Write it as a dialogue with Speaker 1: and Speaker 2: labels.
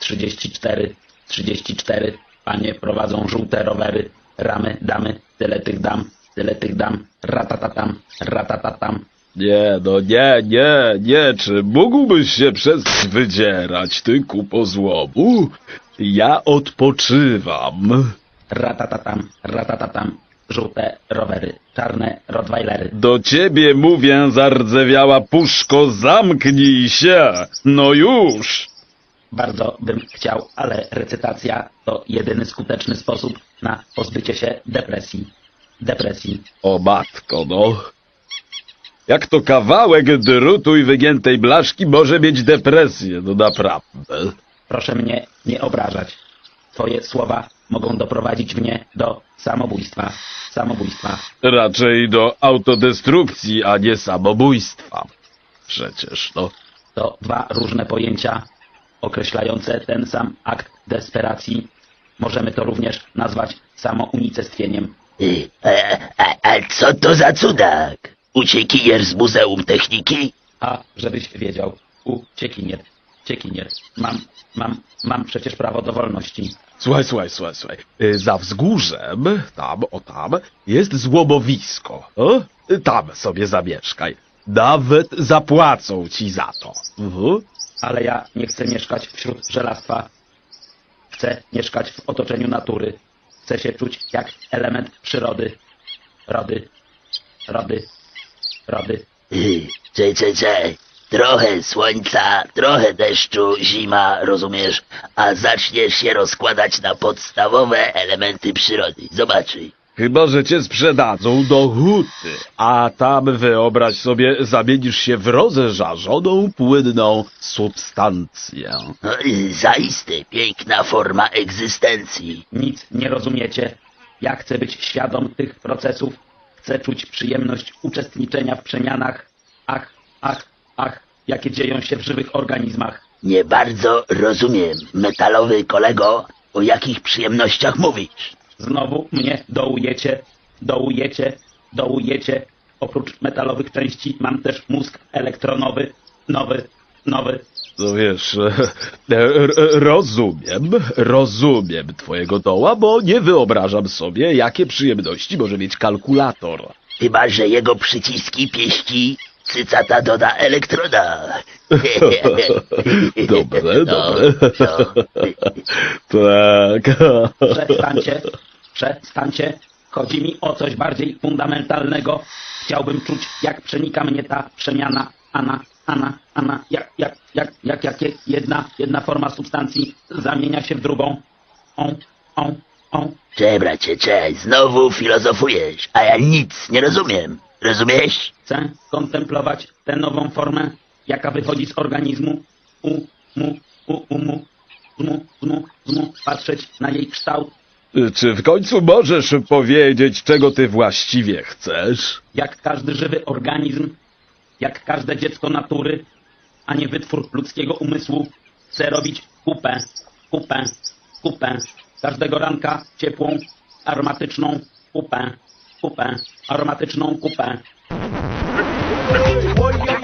Speaker 1: 34, 34. Panie prowadzą żółte rowery. Ramy, damy, tyle tych dam. Ratatatam, ratatatam.
Speaker 2: Nie, no nie, czy mógłbyś się przestać wydzierać, ty kupo złomu? Ja odpoczywam.
Speaker 1: Ratatatam, ratatatam. Żółte rowery, czarne rottweilery.
Speaker 2: Do ciebie mówię, zardzewiała puszko, zamknij się! No już!
Speaker 1: Bardzo bym chciał, ale recytacja to jedyny skuteczny sposób na pozbycie się depresji. Depresji.
Speaker 2: O matko, no. Jak to kawałek drutu i wygiętej blaszki może mieć depresję, no naprawdę.
Speaker 1: Proszę mnie nie obrażać. Twoje słowa mogą doprowadzić mnie do samobójstwa. Samobójstwa.
Speaker 2: Raczej do autodestrukcji, a nie samobójstwa. Przecież, no.
Speaker 1: To dwa różne pojęcia określające ten sam akt desperacji. Możemy to również nazwać samounicestwieniem.
Speaker 3: A co to za cudak? Uciekinier z Muzeum Techniki?
Speaker 1: A żebyś wiedział, ciekinier. Mam przecież prawo do wolności.
Speaker 2: Słuchaj. Za wzgórzem, tam, jest złomowisko. O? Tam sobie zamieszkaj. Nawet zapłacą ci za to.
Speaker 1: Ale ja nie chcę mieszkać wśród żelastwa. Chcę mieszkać w otoczeniu natury. Chcę się czuć jak element przyrody. Rody.
Speaker 3: Czekaj. Trochę słońca, trochę deszczu, zima, rozumiesz? A zaczniesz się rozkładać na podstawowe elementy przyrody. Zobaczyj.
Speaker 2: Chyba że cię sprzedadzą do huty, a tam wyobraź sobie, zamienisz się w rozżarzoną, płynną substancję.
Speaker 3: No, zaiste piękna forma egzystencji.
Speaker 1: Nic nie rozumiecie. Ja chcę być świadom tych procesów. Chcę czuć przyjemność uczestniczenia w przemianach. Ach, jakie dzieją się w żywych organizmach.
Speaker 3: Nie bardzo rozumiem, metalowy kolego, o jakich przyjemnościach mówisz.
Speaker 1: Znowu mnie dołujecie. Oprócz metalowych części mam też mózg elektronowy, nowy.
Speaker 2: No wiesz, rozumiem twojego doła, bo nie wyobrażam sobie, jakie przyjemności może mieć kalkulator.
Speaker 3: Chyba że jego przyciski pieści cycata doda elektroda.
Speaker 2: Dobre.
Speaker 3: No.
Speaker 2: Tak.
Speaker 1: Przestańcie. Chodzi mi o coś bardziej fundamentalnego. Chciałbym czuć, jak przenika mnie ta przemiana. Jak jedna forma substancji zamienia się w drugą.
Speaker 3: Bracie, znowu filozofujesz, a ja nic nie rozumiem. Rozumiesz?
Speaker 1: Chcę kontemplować tę nową formę, jaka wychodzi z organizmu. Patrzeć na jej kształt.
Speaker 2: Czy w końcu możesz powiedzieć, czego ty właściwie chcesz?
Speaker 1: Jak każdy żywy organizm, jak każde dziecko natury, a nie wytwór ludzkiego umysłu, chcę robić kupę. Każdego ranka ciepłą, aromatyczną kupę. Aromatyczną kupę.